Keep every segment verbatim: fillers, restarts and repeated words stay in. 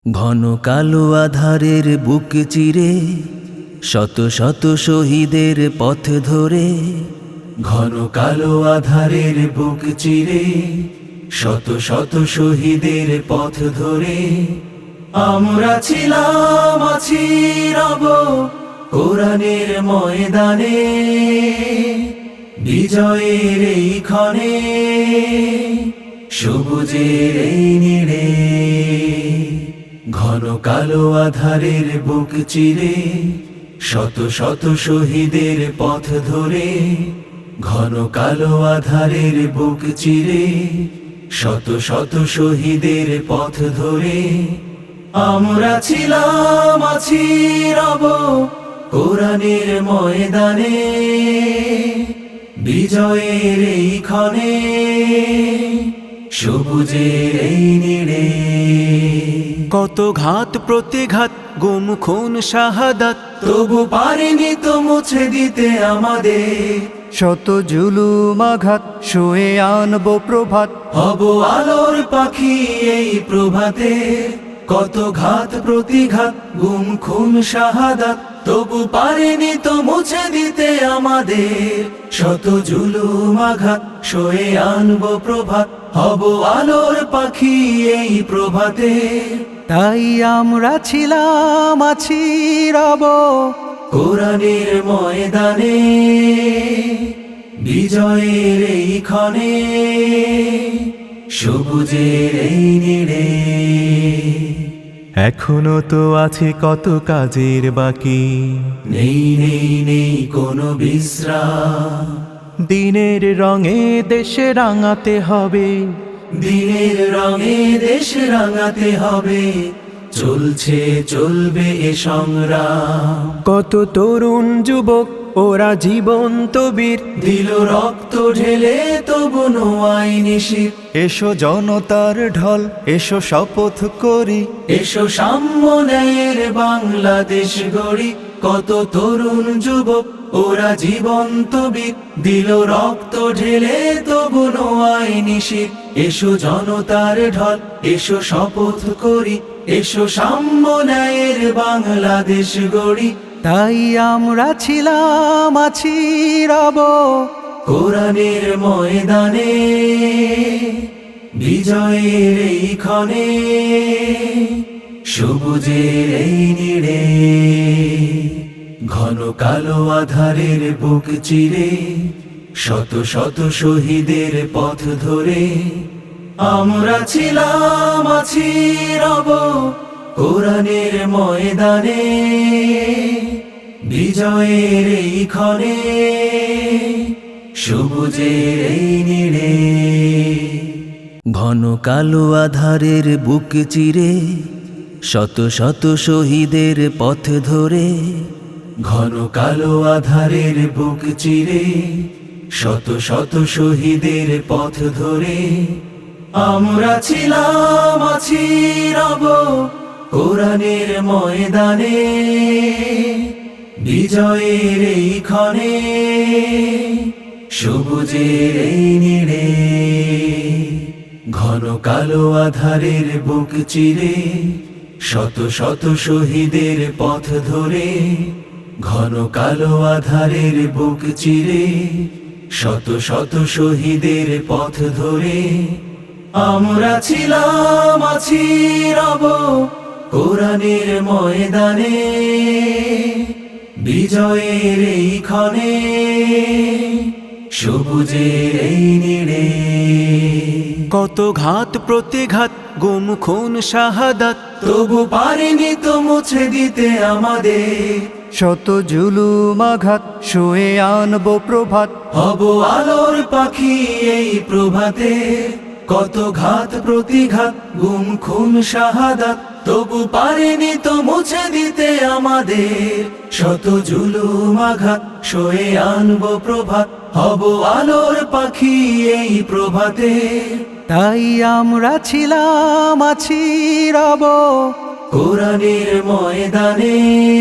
ঘন কালো আধারের বুক চিরে শত শত শহীদের পথ ধরে, ঘন কালো আধারের বুক চিরে শত শত শহীদের পথ ধরে আমরা ছিলাম, আছি, রব কোরআনের ময়দানে, বিজয়ের এই ক্ষণে, সবুজের এই নীড়ে। ঘন কালো আধারের বুক চিরে শত শত শহীদের পথ ধরে, ঘন কালো আধারের বুক চিরে শত শত শহীদের পথ ধরে আমরা ছিলাম, আছি, রব কোরআনের ময়দানে, বিজয়ের এই ক্ষণে, সবুজের এই নীড়ে। কত ঘাত প্রতিঘাত, গুম খুন শাহাদাত, তবু পারিনি তো মুছে দিতে আমাদের শত জুলুম আঘাত, শুয়ে আনবো প্রভাত, হব আলোর পাখি এই প্রভাতে। কত ঘাত প্রতিঘাত, গুম খুন শাহাদাত, তবু পারিনি তো মুছে দিতে আমাদের শত জুলুম আঘাত, শুয়ে আনবো প্রভাত, হব আলোর পাখি এই প্রভাতে। তাই আমরা ছিলাম, আছি, রব কোরআনের ময়দানে, বিজয়ের এই ক্ষণে, সবুজের এই নীড়ে। এখনো তো আছে কত কাজের বাকি, নেই নেই নেই কোনো বিশ্রাম, দিনের রঙে দেশে রাঙাতে হবে, দিনের রঙে দেশ রাঙাতে হবে, চলছে চলবে এ সংগ্রাম। কত তরুণ যুবক ওরা জীবন্ত বীর, দিল রক্ত ঢেলে তবু নোয়াই নিশির। এসো জনতার ঢল, এসো শপথ করি, এসো সাম্য ন্যায়ের বাংলাদেশ গড়ি। কত তরুণ যুবক ওরা জীবন্ত বীর, দিল রক্ত ঢেলে তবু নোয়াই নিশির। এসো জনতার ঢল, এসো শপথ করি, এসো সাম্য ন্যায়ের বাংলাদেশ গড়ি। তাই আমরা ছিলাম, আছি, রব কোরআনের ময়দানে, বিজয়ের এই ক্ষণে, সবুজের এই নীড়ে। ঘন কালো আধারের বুক চিরে শত শত শহীদের পথ ধরে আমরা ছিলাম, আছি, রব কোরআনের ময়দানে, বিজয়ের এই ক্ষণে, সবুজের এই নীড়ে। ঘন কালো আধারের বুক চিরে শত শত শহীদের পথ ধরে, ঘন কালো আধারের বুক চিরে শত শত শহীদের পথ ধরে আমরা ছিলাম, আছি, রব কোরআনের ময়দানে, বিজয়ের এই ক্ষণে, সবুজের এই নীড়ে। ঘন কালো আধারের বুক চিরে শত শত শহীদের পথ ধরে, ঘন কালো আধারের বুক চিরে শত শত শহীদের পথ ধরে আমরা ছিলাম, আছি, রব কোরআনের ময়দানে, বিজয়ের এই ক্ষণে, সবুজের এই নীড়ে। কত ঘাত প্রতিঘাত, গুম খুন শাহাদাত, তবু পারিনি তো মুছে দিতে আমাদের শত জুলুম আঘাত, শুয়ে আনবো প্রভাত, হব আলোর পাখি এই প্রভাতে। কত ঘাত প্রতিঘাত, গুম খুন শাহাদাত, তবু পারিনি তো মুছে দিতে আমাদের শত জুলুম আঘাত, সয়ে আনবো প্রভাত, হব আলোর পাখি এই প্রভাতে। তাই আমরা ছিলাম, আছি, রব কোরআনের ময়দানে,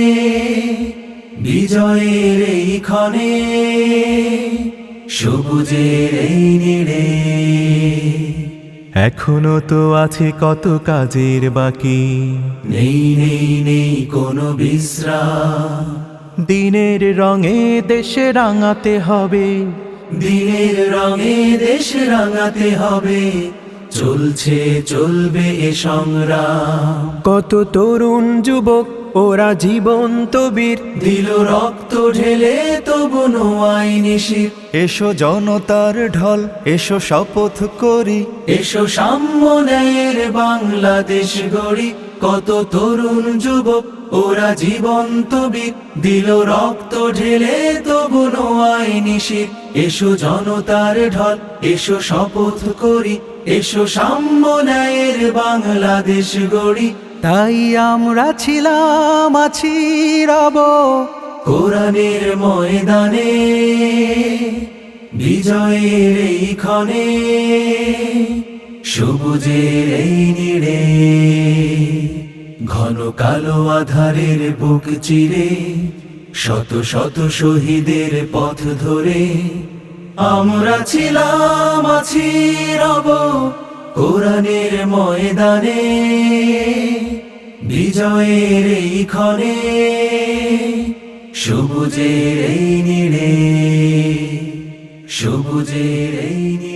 বিজয়ের এই ক্ষণে, সবুজের এই নীড়ে। এখনো তো আছে কত কাজের বাকি। নেই নেই নেই কোনো বিশ্রাম, দিনের রঙে দেশে রাঙাতে হবে, দিনের রঙে দেশ রাঙাতে হবে। চলছে চলবে এ সংগ্রাম, কত তরুণ যুবক ওরা জীবন্ত বীর, দিল রক্ত ঢেলে তবু নোয়াই নিশির। এসো জনতার ঢল, এসো শপথ করি, এসো সাম্য ন্যায়ের বাংলাদেশ গড়ি। কত তরুণ যুবক ওরা জীবন্ত বীর, দিল রক্ত ঢেলে তবু নোয়াই নিশির। এসো জনতার ঢল, এসো শপথ করি, এসো সাম্য ন্যায়ের বাংলাদেশ গড়ি। তাই আমরা ছিলাম আছি রব, কোরআনের ময়দানে বিজয়ের এই ক্ষণে, সবুজের এই নীড়ে, ঘন কালো আধারের বুক চিরে, শত শত শহীদের পথ ধরে আমরা ছিলাম আছি রব। কোরআনের ময়দানে বিজয়ের এই ক্ষণে, সবুজের এই নীড়ে, সবুজের এই নীড়ে।